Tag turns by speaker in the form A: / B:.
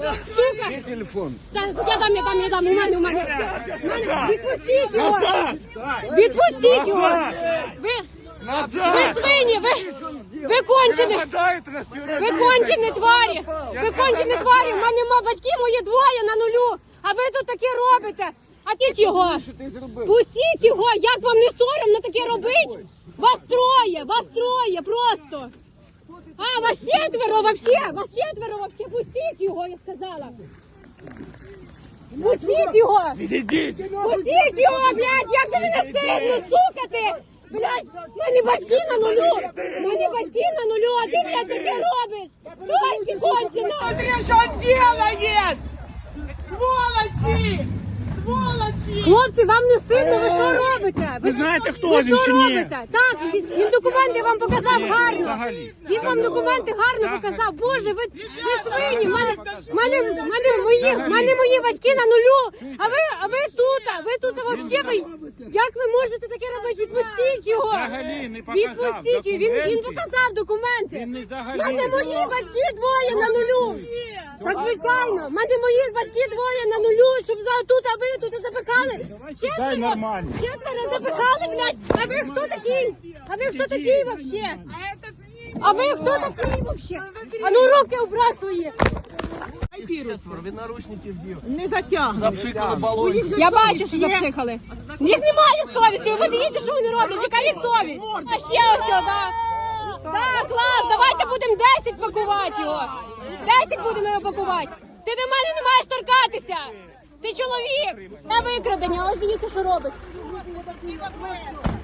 A: Сука!
B: Где телефон?
A: Я дам, у мене. Відпустіть його! Відпустіть його! Ви свині, ви кончені! Ви кончені тварі! Ви кончені тварі! У мене батьки мої двоє на нулю! А ви тут таке робите! А ти його! Пустіть його! Як вам не соромно таке робити? Вас троє просто! А, вас четверо вообще! Пустіть його, я сказала! Пустіть його! Пустіть його, блядь! Як ти мене стидно, сука ти! Блядь, в мене батьки на нулю! А ти, блядь, таке робиш! Трошки кончено!
C: Смотри, что он делает! Сволочи! Сволочи!
A: Хлопці, вам не стидно, ви що робите?
D: Ви знаєте, хто
A: ви
D: він
A: що
D: чи ні?
A: робите? Так, він документи вам показав гарно. Він вам документи гарно показав. Боже, ви свині, в мене мої батьки на нулю, а ви тут вообще, як ви можете таке робити? Відпустіть його.
D: Взагалі не показав
A: Відпустіть його, він показав документи.
D: Він не
A: В
D: взагалі
A: мене
D: не
A: мої батьки двоє на нулю. Так, звичайно, в мене мої батьки двоє на нулю, щоб тут, а ви тут запекали. Четверо запекали, блядь. А ви хто такий? Вообще? А ви хто такий вообще? А ну руки убрав свої.
B: Вы наручники сделали.
C: Не затягнув.
B: Запшикали баллончик.
A: Я бачу, що запшикали. В них немає совісті, ви дивіться, що вони роблять, яка їх совість. А ще ось, так. Так, клас, давайте будемо 10 пакувати його. 10 будемо його пакувати. Ти до мене не маєш торкатися. Ти чоловік. На викрадення, ось дивіться, що робить.